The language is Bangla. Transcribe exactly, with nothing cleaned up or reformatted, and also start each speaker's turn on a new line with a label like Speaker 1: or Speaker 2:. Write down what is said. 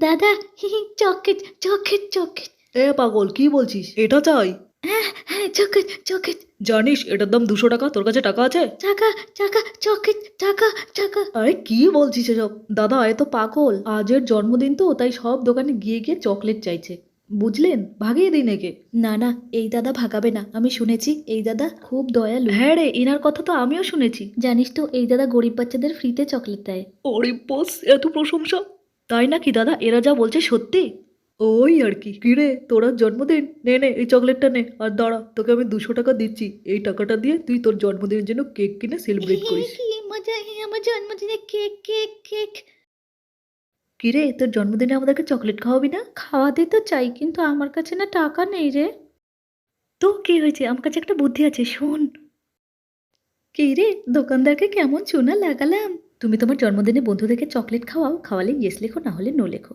Speaker 1: দাদা চকলেট চকলেট চকলেট।
Speaker 2: এ পাগল, কি বলছিস? এটা চাই?
Speaker 1: হ্যাঁ হ্যাঁ চকলেট চকলেট।
Speaker 2: জানিস এটার দাম দুশো টাকা? তোর কাছে টাকা আছে?
Speaker 1: টাকা টাকা চকলেট টাকা টাকা।
Speaker 2: আরে কি বলছিস এসব? দাদা এ তো পাগল। আজের জন্মদিন তো, তাই সব দোকানে গিয়ে গিয়ে চকলেট চাইছে, বুঝলেন? ভাগিয়ে দিন একে।
Speaker 1: না না, এই দাদা ভাগাবে না। আমি শুনেছি এই দাদা খুব দয়ালু।
Speaker 2: হ্যাঁ রে, এনার কথা তো আমিও শুনেছি।
Speaker 1: জানিস তো এই দাদা গরিব বাচ্চাদের ফ্রিতে চকলেট দেয়।
Speaker 2: ওরে বস, এত প্রশংসা! তাই নাকি দাদা? এরা যা বলছে সত্যি? ওই আর কি। কিরে, তোর আজ জন্মদিন? নে নে এই চকলেটটা নে, আর দাঁড়া, তোকে আমি দুশো টাকা দিচ্ছি। এই টাকাটা দিয়ে তুই তোর জন্মদিনের জন্য কেক কিনে সেলিব্রেট করিস।
Speaker 1: কি মজা, আমার জন্মদিনে কেক কেক কেক।
Speaker 2: কিরে, তোর জন্মদিনে আমাদেরকে চকলেট খাওয়াবি না?
Speaker 1: খাওয়াতে তো চাই, কিন্তু আমার কাছে না টাকা নেই রে।
Speaker 2: তো কি হয়েছে? আমার কাছে একটা বুদ্ধি আছে, শোন।
Speaker 1: কি রে, দোকানদারকে কেমন চুনা লাগালাম। তুমি তোমার জন্মদিনে বন্ধুদেরকে চকলেট খাওয়াও, খাওয়ালে ইয়েস লেখো, না হলে নো লেখো।